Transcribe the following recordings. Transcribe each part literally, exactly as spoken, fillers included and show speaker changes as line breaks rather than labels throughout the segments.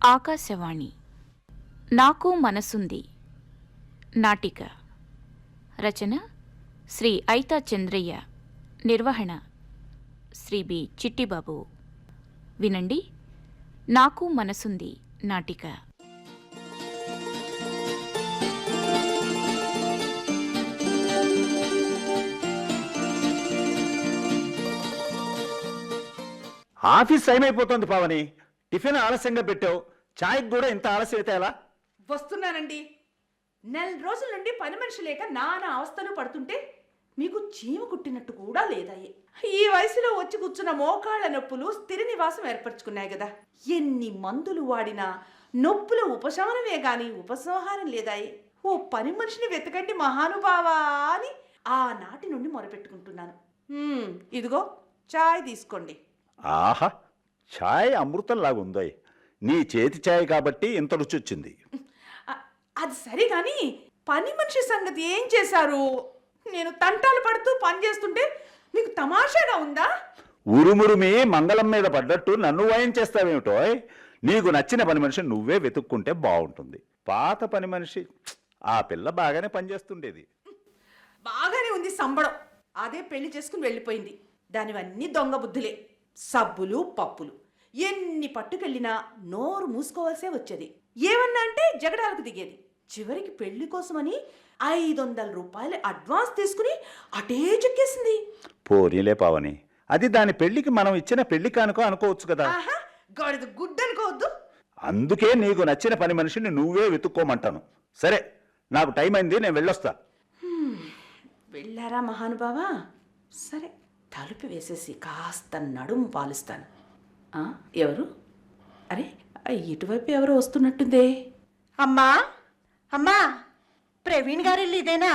ఆకాశవాణి నాకు మనసుంది నాటిక రచన శ్రీ ఐతా చంద్రయ్య, నిర్వహణ శ్రీ బి చిట్టిబాబు. వినండి. నాకు మనసుంది నాటిక.
ఆఫీస్ టైం అయిపోతుంది పావని. టిఫిన్ ఆలస్యంగా పెట్టావు, చాయ్కి కూడా ఇంత ఆలస్యం అయితే ఎలా?
వస్తున్నానండి. నెల రోజుల నుండి పని మనిషి లేక నానా అవస్థలు పడుతుంటే మీకు చీమ కుట్టినట్టు కూడా లేదాయి. ఈ వయసులో వచ్చి కూర్చున్న మోకాళ్ళ నొప్పులు స్థిర నివాసం ఏర్పరచుకున్నాయి కదా. ఎన్ని మందులు వాడినా నొప్పుల ఉపశమనమే గాని ఉపసంహారం లేదాయి. ఓ పని మనిషిని వెతకండి మహానుభావా అని ఆనాటి నుండి మొరపెట్టుకుంటున్నాను. ఇదిగో చాయ్ తీసుకోండి.
ఆహా, ఛాయ్ అమృతం లాగుందో. నీ చేతి ఛాయ్ కాబట్టి ఇంత రుచి వచ్చింది.
అది సరే కానీ పని మనిషి సంగతి ఏం చేశారు? నేను తంటాలు పడుతూ పని చేస్తుంటే మీకు తమాషాగా ఉందా?
ఉరుమురుమి మంగళం మీద పడ్డట్టు నన్ను వాయం చేస్తావేమిటో. నీకు నచ్చిన పని మనిషి నువ్వే వెతుక్కుంటే బాగుంటుంది. పాత పని మనిషి ఆ పిల్ల బాగానే పనిచేస్తుండేది.
బాగానే ఉంది సంబడం. అదే పెళ్లి చేసుకుని వెళ్ళిపోయింది. దానివన్నీ దొంగ బుద్ధులే. సబ్బులు పప్పులు ఎన్ని పట్టుకెళ్ళినా నోరు మూసుకోవాల్సే వచ్చేది. ఏమన్నా అంటే జగడాలకు దిగేది. చివరికి పెళ్లి కోసమని ఐదు వందల రూపాయలు అడ్వాన్స్ తీసుకుని అటే చెక్కేసింది.
పోనీలే పావని, అది దాని పెళ్లికి మనం ఇచ్చిన పెళ్లి కానుకో అనుకోవచ్చు కదా.
గాడిద గుడ్డ అనుకోవద్దు.
అందుకే నీకు నచ్చిన పని మనిషిని నువ్వే వెతుక్కోమంటాను. సరే, నాకు టైం అయింది, నేను వెళ్ళొస్తా.
వెళ్ళారా మహానుభావా? సరే, తలుపు వేసేసి కాస్త నడుము పాలుస్తాను. ఎవరు? అరే, ఇటువైపు ఎవరు వస్తున్నట్టుందే.
అమ్మా అమ్మా ప్రవీణ్ గారి ఇల్లు ఇదేనా?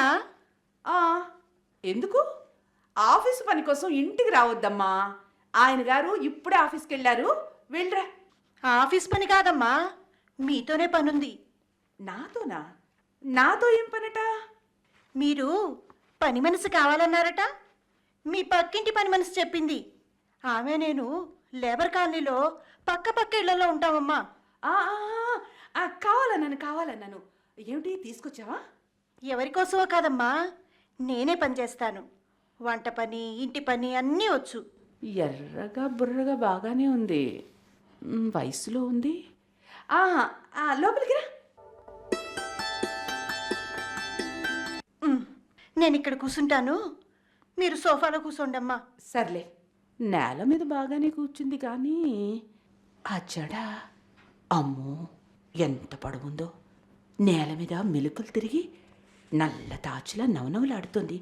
ఎందుకు? ఆఫీసు పని కోసం ఇంటికి రావద్దమ్మా. ఆయన గారు ఇప్పుడే ఆఫీస్కి వెళ్ళారు. వెళ్ళరా.
ఆఫీస్ పని కాదమ్మా, మీతోనే పనుంది.
నాతోనా? నాతో ఏం పనట?
మీరు పని మనిషి కావాలన్నారట. మీ పక్కింటి పని మనిషి చెప్పింది. ఆమె నేను లేబర్ కాలనీలో పక్క పక్క ఇళ్లలో ఉంటామమ్మా.
కావాలన్నాను కావాలన్నాను ఏమిటి తీసుకొచ్చావా?
ఎవరికోసమో కాదమ్మా, నేనే పని చేస్తాను. వంట పని, ఇంటి పని అన్నీ వచ్చు.
ఎర్రగా బుర్రగా బాగానే ఉంది. వయసులో ఉంది. లోపలికి రా.
నేను ఇక్కడ కూర్చుంటాను, మీరు సోఫాలో కూర్చోండమ్మా.
సర్లే. నేల మీద బాగానే కూర్చుంది కానీ ఆ జడ అమ్మో ఎంత పొడవుందో. నేల మీద మెలుకలు తిరిగి నల్ల తాచులా నవనవలాడుతుంది.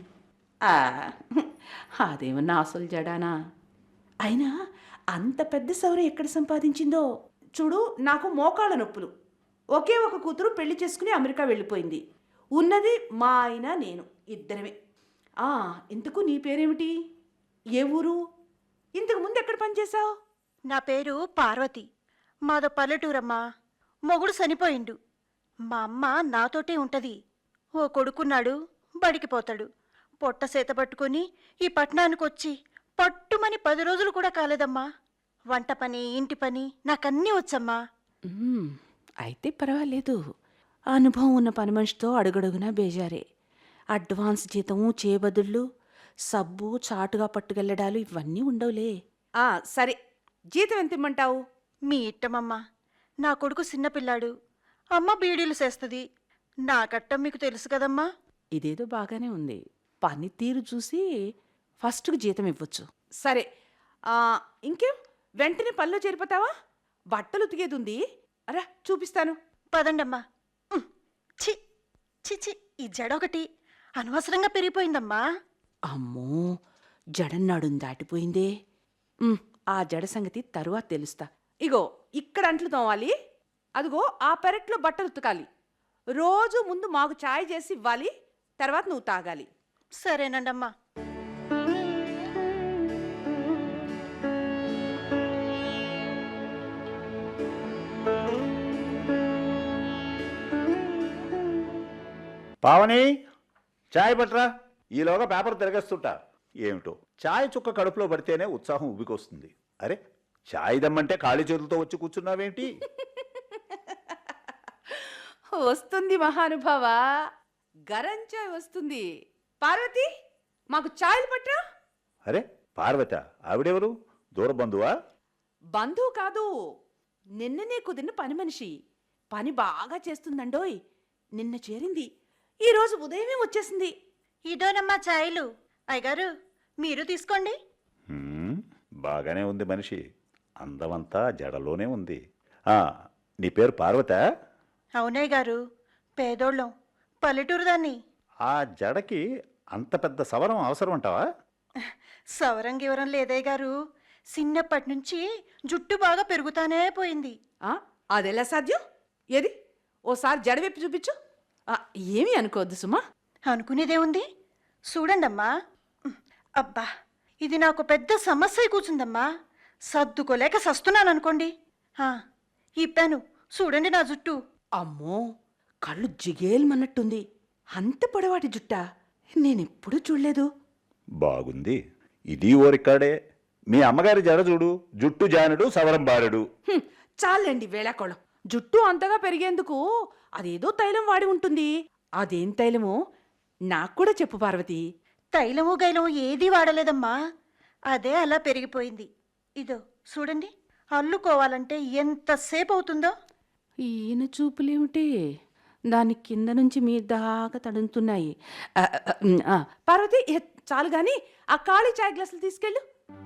అదేమన్నా అసలు జడానా? అయినా అంత పెద్ద సౌర ఎక్కడ సంపాదించిందో చూడు. నాకు మోకాళ్ళ నొప్పులు. ఒకే ఒక కూతురు పెళ్లి చేసుకుని అమెరికా వెళ్ళిపోయింది. ఉన్నది మా ఆయన నేను ఇద్దరమే. ఇంతకు నీ పేరేమిటి? ఏ ఊరు? ఇంతకు ముందు ఎక్కడ పనిచేశావు?
నా పేరు పార్వతి. మాదో పల్లెటూరమ్మా. మొగుడు చనిపోయిండు. మా అమ్మ నాతోటే ఉంటది. ఓ కొడుకున్నాడు, బడికి పోతాడు. పొట్ట సేత పట్టుకొని ఈ పట్టణానికి వచ్చి పట్టుమని పది రోజులు కూడా కాలేదమ్మా. వంట పని, ఇంటి పని నాకన్నీ వచ్చమ్మా.
అయితే పర్వాలేదు. అనుభవం ఉన్న పని మనిషితో అడుగడుగునా బేజారే. అడ్వాన్స్ జీతము, చేబదుళ్ళు, సబ్బు, చాటుగా పట్టుకెళ్ళడాలు ఇవన్నీ ఉండవులే. సరే, జీతం ఎంత ఇమ్మంటావు?
మీ ఇట్టమమ్మా. నా కొడుకు చిన్నపిల్లాడు, అమ్మ బీడీలు చేస్తుంది. నా కట్టం మీకు తెలుసు కదమ్మా.
ఇదేదో బాగానే ఉంది. పనితీరు చూసి ఫస్ట్కు జీతం ఇవ్వచ్చు. సరే, ఇంకేం వెంటనే పనిలో చేరిపోతావా? బట్టలు ఉతికేది ఉంది. అరా చూపిస్తాను.
పదండమ్మా. చి చి చి ఈ జడ ఒకటి అనవసరంగా పెరిగిపోయిందమ్మా.
అమ్మో, జడన్నాడుని దాటిపోయిందే. ఆ జడ సంగతి తరువాత తెలుస్తా. ఇగో ఇక్కడ అంట్లు తోవాలి. అదిగో ఆ పెరట్లో బట్టలు ఉతకాలి. రోజు ముందు మాకు ఛాయ్ చేసి ఇవ్వాలి, తర్వాత నువ్వు తాగాలి.
సరేనండమ్మా.
పావని, చాయ్ పట్రా. ఈలోగా పేపర్ తిరగేస్తుంటా. ఏమిటో చాయ్ చుక్క కడుపులో పడితేనే ఉత్సాహం ఉబ్బికొస్తుంది. అరే, చాయ్ దమ్మంటే ఖాళీ చేతులతో వచ్చి కూర్చున్నావేంటి?
వస్తుంది మహానుభావ, గరం చాయ్ వస్తుంది. పార్వతి, మాకు చాయ్ పట్టా.
అరే పార్వత, ఆవిడెవరు? దూర బంధువా?
బంధువు కాదు, నిన్ననే కుదిరిన పని మనిషి. పని బాగా చేస్తుందండోయ్. నిన్న చేరింది, ఈరోజు ఉదయమే వచ్చేసింది.
ఇదోనమ్మా ఛాయలు. అయ్యగారు మీరు తీసుకోండి.
హ్మ్, బాగానే ఉంది మనిషి. అందమంతా జడలోనే ఉంది. ఆ, నీ పేరు పార్వత?
అవునయ్య గారు, పేదోళ్ళం, పల్లెటూరు దాన్ని.
ఆ జడకి అంత పెద్ద సవరం అవసరం అంటావా?
సవరం గివరం లేదయ్య గారు, చిన్నప్పటి నుంచి జుట్టు బాగా పెరుగుతానే పోయింది.
ఆ, అదెలా సాధ్యం? ఏది ఓసారి జడవెప్పి చూపించు. ఆ, ఏమీ అనుకోవద్దు సుమా.
అనుకునేదేముంది, చూడండమ్మా. అబ్బా, ఇది నాకు పెద్ద సమస్య అయి కూర్చుందమ్మా. సర్దుకోలేక సస్తున్నాననుకోండి. ఇప్పాను చూడండి నా జుట్టు.
అమ్మో, కళ్ళు జిగేల్మన్నట్టుంది. అంత పొడవాటి జుట్టా నేనెప్పుడూ చూడలేదు.
బాగుంది. ఇది ఓ రికార్డే. మీ అమ్మగారి జడ చూడు, జుట్టు జానుడు, సవరం బారుడు.
హ్మ్, చాలండి వేళాకోళం. జుట్టు అంతగా పెరిగేందుకు అదేదో తైలం వాడి ఉంటుంది. అదేం తైలమో నాకు కూడా చెప్పు పార్వతి.
తైలము గైలము ఏదీ వాడలేదమ్మా, అదే అలా పెరిగిపోయింది. ఇదో చూడండి, అల్లుకోవాలంటే ఎంతసేపు అవుతుందో.
ఈయన చూపులేమిటి, దాని కింద నుంచి మీ దాకా తడుతున్నాయి. ఆ, ఆ, ఆ, పార్వతి, ఏ, చాలు గాని ఆ ఖాళీ చాయ్ గ్లాసులు తీసుకెళ్ళు.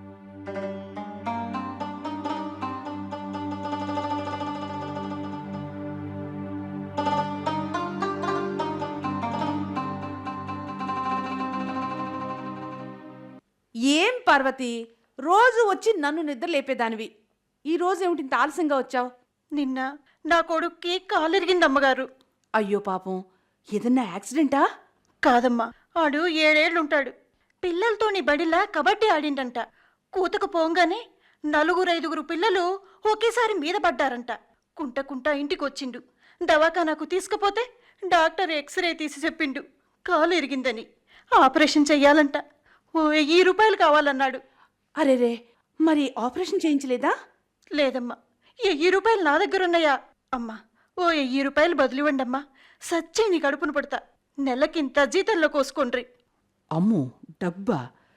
ఏం పార్వతి, రోజు వచ్చి నన్ను నిద్ర లేపేదానివి. ఈ రోజు ఏమిటి ఇంత ఆలస్యంగా వచ్చావు?
నిన్న నా కొడుక్కి కాలిరిగిందమ్మగారు.
అయ్యో పాపం, ఏదన్నా యాక్సిడెంటా?
కాదమ్మా, ఆడు ఏడేళ్లుంటాడు. పిల్లలతోని బడిలా కబడ్డీ ఆడిండంట. కూతకు పోంగానే నలుగురైదుగురు పిల్లలు ఒకేసారి మీద పడ్డారంట. కుంట కుంట ఇంటికొచ్చిండు. దవాఖానాకు తీసుకుపోతే డాక్టర్ ఎక్స్రే తీసి చెప్పిండు కాలు ఇరిగిందని. ఆపరేషన్ చెయ్యాలంట. ఓ వెయ్యి రూపాయలు కావాలన్నాడు.
అరేరే, మరి ఆపరేషన్ చేయించలేదా?
లేదమ్మా, వెయ్యి రూపాయలు నా దగ్గర ఉన్నాయా? అమ్మా, ఓ వెయ్యి రూపాయలు బదులివ్వండమ్మా, సచ్చి నీ కడుపును పడతా. నెలకింత జీతంలో కోసుకొండ్రి.
అమ్మో, డబ్బా?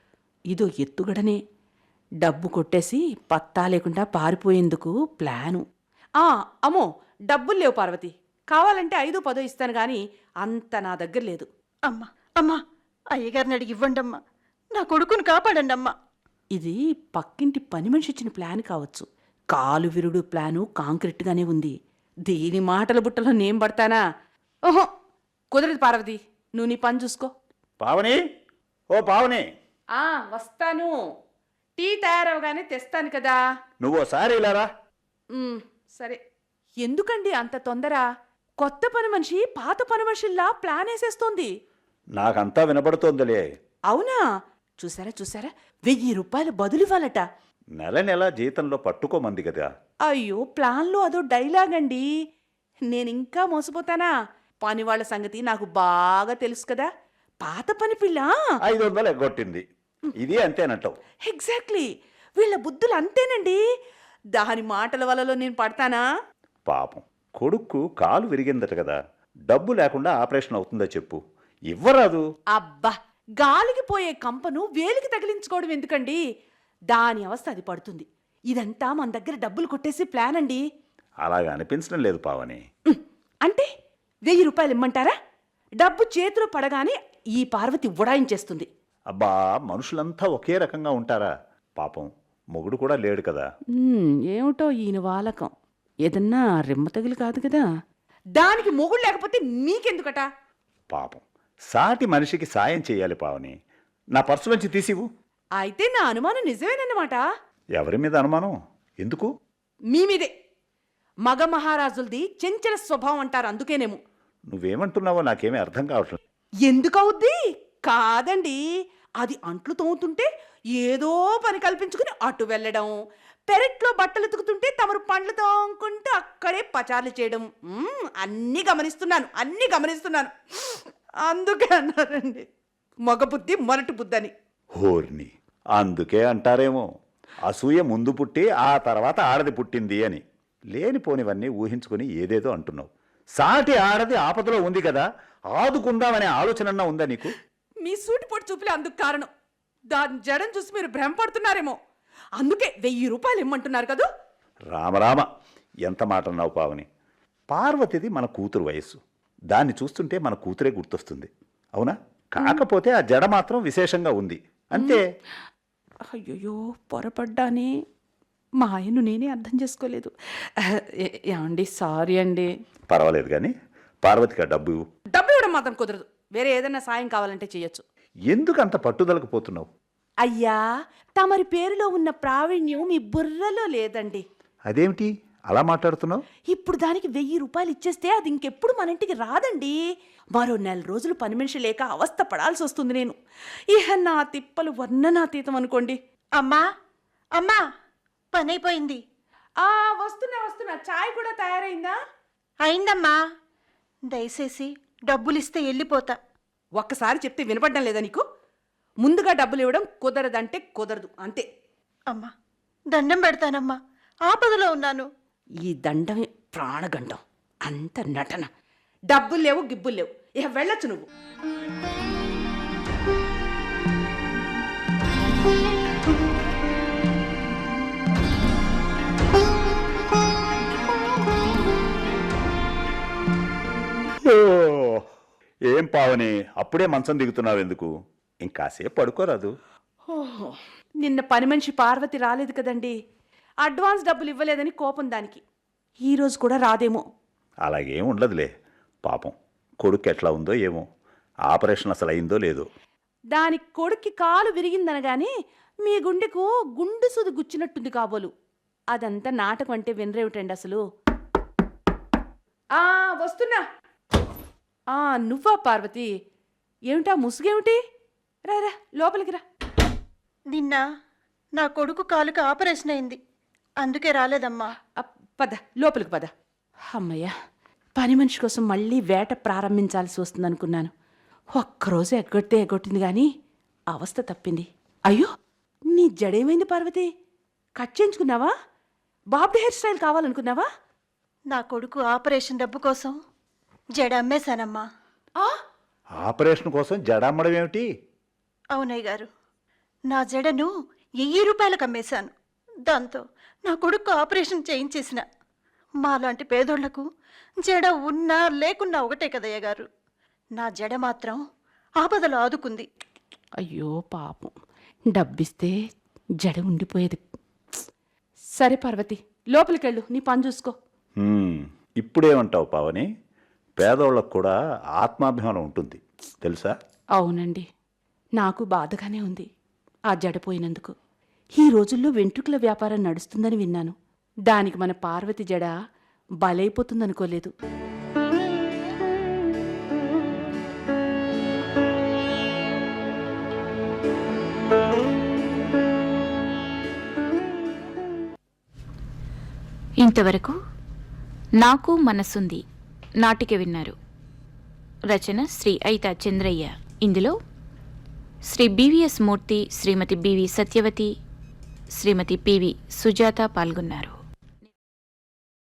ఇదో ఎత్తుగడనే. డబ్బు కొట్టేసి పత్తా లేకుండా పారిపోయేందుకు ప్లాను. ఆ, అమ్మో, డబ్బులు లేవు పార్వతి. కావాలంటే ఐదు పదో ఇస్తాను గాని అంత నా దగ్గర లేదు.
అమ్మా అమ్మా, అయ్యగారిని అడిగి ఇవ్వండమ్మా, నా కొడుకును కాపాడండమ్మా.
ఇది పక్కింటి పని మనిషి ఇచ్చిన ప్లాన్ కావచ్చు. కాలు విరుడు ప్లాను కాంక్రీట్గానే ఉంది. దీని మాటల బుట్టలో నేను పడతానా? ఓహో, కుదరదు పార్వతి, నువ్వు నీ పని చూసుకో.
పావని, ఓ పావని,
ఆ, వస్తాను. టీ తయారవగానే తెస్తాను కదా.
నువ్వు ఓసారి ఇలారా.
ఉమ్, సరే. ఎందుకండి అంత తొందర? కొత్త పని మనిషి పాత పని మనిషిల్లా ప్లాన్ వేసేస్తోంది.
నాకంతా వినపడుతోందిలే.
అవునా? చూసారా చూసారా, వెయ్యి రూపాయలు బదులివ్వాలట.
నెల నెల జీతంలో పట్టుకోమంది కదా.
అయ్యో, ప్లాన్లో అదో డైలాగ్ అండి. నేనింకా మోసపోతానా? పని వాళ్ళ సంగతి నాకు బాగా తెలుసు కదా. పాత పని పిల్ల
ఐదు వందలు ఎగ్గొట్టింది. ఇది అంతేనంటావు?
ఎగ్జాక్ట్లీ. వీళ్ళ బుద్ధులు అంతేనండి. దాని మాటల వలలో నేను పడతానా?
పాపం, కొడుక్కు కాలు విరిగిందట కదా, డబ్బు లేకుండా ఆపరేషన్ అవుతుందా చెప్పు, ఇవ్వరాదు.
అబ్బా, గాలికి పోయే కంపను వేలికి తగిలించుకోవడం ఎందుకండి? దాని అవస్థ అది పడుతుంది. ఇదంతా మన దగ్గర డబ్బులు కొట్టేసి ప్లాన్ అండి.
అలాగా అనిపించడం లేదు పావని.
ఉమ్, అంటే వెయ్యి రూపాయలు ఇమ్మంటారా? డబ్బు చేతిలో పడగానే ఈ పార్వతి ఉడాయించేస్తుంది.
అబ్బా, మనుషులంతా ఒకే రకంగా ఉంటారా? పాపం, మొగుడు కూడా లేడు కదా.
ఉమ్, ఏమిటో ఈయన వాలకం. ఏదన్నా రెమ్మ తగిలి కాదు కదా. దానికి మొగుడు లేకపోతే మీకెందుకట?
పాపం, సాటి మనిషికి సాయం చేయాలి పావని. నా పర్సులోంచి తీసివు.
అయితే నా అనుమానం నిజమేనన్నమాట.
ఎవరి మీద అనుమానం? ఎందుకు?
మీ మీదే. మగ మహారాజులది చెంచల స్వభావం అంటారు, అందుకేనేమో.
నువ్వేమంటున్నావో నాకేమీ అర్థం కావట్లేదు.
ఎందుకవుద్ది? కాదండి, అది అంట్లు తోముతుంటే ఏదో పని కల్పించుకుని అటు వెళ్ళడం, పెరట్లో బట్టలు ఉతుకుతుంటే తమరు పండ్లు తోముకుంటూ అక్కడే పచార్లు చేయడం. మ్మ్, అన్నీ గమనిస్తున్నాను, అన్నీ గమనిస్తున్నాను. అందుకే అన్నారండి మగ బుద్ధి మొరటి బుద్ధి అని.
హోర్ని, అందుకే అంటారేమో అసూయ ముందు పుట్టి ఆ తర్వాత ఆడది పుట్టింది అని. లేనిపోనివన్నీ ఊహించుకుని ఏదేదో అంటున్నావు. సాటి ఆడది ఆపదలో ఉంది కదా, ఆదుకుందామనే ఆలోచన ఉందా నీకు?
మీ సూటిపోటు చూపులే అందుకు కారణం. దాని జడం చూసి మీరు భ్రమపడుతున్నారేమో, అందుకే వెయ్యి రూపాయలు ఇమ్మంటున్నారు కదూ.
రామరామ, ఎంత మాట అన్నావు పావని. పార్వతిది మన కూతురు వయస్సు, దాన్ని చూస్తుంటే మన కూతురే గుర్తొస్తుంది, అవునా? కాకపోతే ఆ జడ మాత్రం విశేషంగా ఉంది అంతే.
అయ్యయ్యో, పొరపడ్డానే. మా ఆయన్ను నేనే అర్థం చేసుకోలేదు. ఏ- ఏమండి, సారీ అండి.
పర్వాలేదు కానీ పార్వతికి ఆ డబ్బు ఇవ్వు.
డబ్బు ఇవ్వడం మాత్రం కుదరదు. వేరే ఏదైనా సాయం కావాలంటే చెయ్యొచ్చు.
ఎందుకు అంత పట్టుదలకు పోతున్నావు?
అయ్యా, తమరి పేరులో ఉన్న ప్రావీణ్యం మీ బుర్రలో లేదండి.
అదేమిటి అలా మాట్లాడుతున్నావు?
ఇప్పుడు దానికి వెయ్యి రూపాయలు ఇచ్చేస్తే అది ఇంకెప్పుడు మన ఇంటికి రాదండి. మరో నెల రోజులు పని మనిషి లేక అవస్థ పడాల్సి వస్తుంది నేను. ఇహ నా తిప్పలు వర్ణనాతీతం అనుకోండి.
అమ్మా అమ్మా పని అయిపోయింది.
ఆ వస్తున్నా వస్తున్నా. చాయ్ కూడా తయారైందా?
అయిందమ్మా. దయచేసి డబ్బులిస్తే వెళ్ళిపోతా.
ఒక్కసారి చెప్తే వినపడడం లేదా నీకు? ముందుగా డబ్బులు ఇవ్వడం కుదరదంటే కుదరదు, అంతే.
అమ్మా దండం పెడతానమ్మా, ఆపదలో ఉన్నాను.
ఈ దండమే ప్రాణగండం, అంత నటన. డబ్బులు లేవు, గిబ్బులు లేవు, ఇక వెళ్ళొచ్చు నువ్వు.
ఓ, ఏం పావని, అప్పుడే మంచం దిగుతున్నావు ఎందుకు? ఇంకాసేపు పడుకోరాదు?
ఓహో, నిన్న పని మనిషి పార్వతి రాలేదు కదండి. అడ్వాన్స్ డబ్బులు ఇవ్వలేదని కోపం దానికి. ఈరోజు కూడా రాదేమో.
అలాగేం ఉండదులే. పాపం కొడుకు ఎట్లా ఉందో ఏమో, ఆపరేషన్ అసలు అయిందో లేదో.
దాని కొడుక్కి కాలు విరిగిందనగానే మీ గుండెకు గుండు సుది గుచ్చినట్టుంది కాబోలు. అదంతా నాటకం అంటే వినరేమిటండి అసలు. ఆ వస్తున్నా. ఆ నువ్వా పార్వతి? ఏమిటా ముసుగేమిటి? రా రా లోపలికి రా.
నిన్న నా కొడుకు కాలుకి ఆపరేషన్ అయింది, అందుకే రాలేదమ్మా.
అప్, పద లోపలికి పద. అమ్మయ్య, పని మనిషి కోసం మళ్ళీ వేట ప్రారంభించాల్సి వస్తుంది అనుకున్నాను. ఒక్కరోజు ఎగ్గొడితే ఎగ్గొట్టింది కానీ అవస్థ తప్పింది. అయ్యో, నీ జడేమైంది పార్వతి? కట్ చేయించుకున్నావా? బాబ్డీ హెయిర్ స్టైల్ కావాలనుకున్నావా?
నా కొడుకు ఆపరేషన్ డబ్బు కోసం జడ అమ్మేశానమ్మా.
ఆ,
ఆపరేషన్ కోసం జడమ్మడం ఏమిటి?
అవునయ్య గారు, నా జడను వెయ్యి రూపాయలకు అమ్మేశాను. దాంతో నా కొడుకు ఆపరేషన్ చేయించేసిన. మాలాంటి పేదోళ్లకు జడ ఉన్నా లేకున్నా ఒకటే కదయ్య గారు. నా జడ మాత్రం ఆపదలో ఆదుకుంది.
అయ్యో పాపం, డబ్బిస్తే జడ ఉండిపోయేది. సరే పార్వతి, లోపలికెళ్ళు, నీ పని చూసుకో.
హ్మ్, ఇప్పుడేమంటావు పావని? పేదోళ్ళకు కూడా ఆత్మాభిమానం ఉంటుంది తెలుసా?
అవునండి, నాకు బాధగానే ఉంది ఆ జడ పోయినందుకు. ఈ రోజుల్లో వెంట్రుకల వ్యాపారం నడుస్తుందని విన్నాను. దానికి మన పార్వతి జడ బలైపోతుందనుకోలేదు.
ఇంతవరకు నాకు మనసుంది నాటిక విన్నారు. రచన శ్రీ ఐతా చంద్రయ్య. ఇందులో Shri BVS Murthy, Shrimati BV Satyavathi, Shrimati PV Sujatha పాల్గొన్నారు.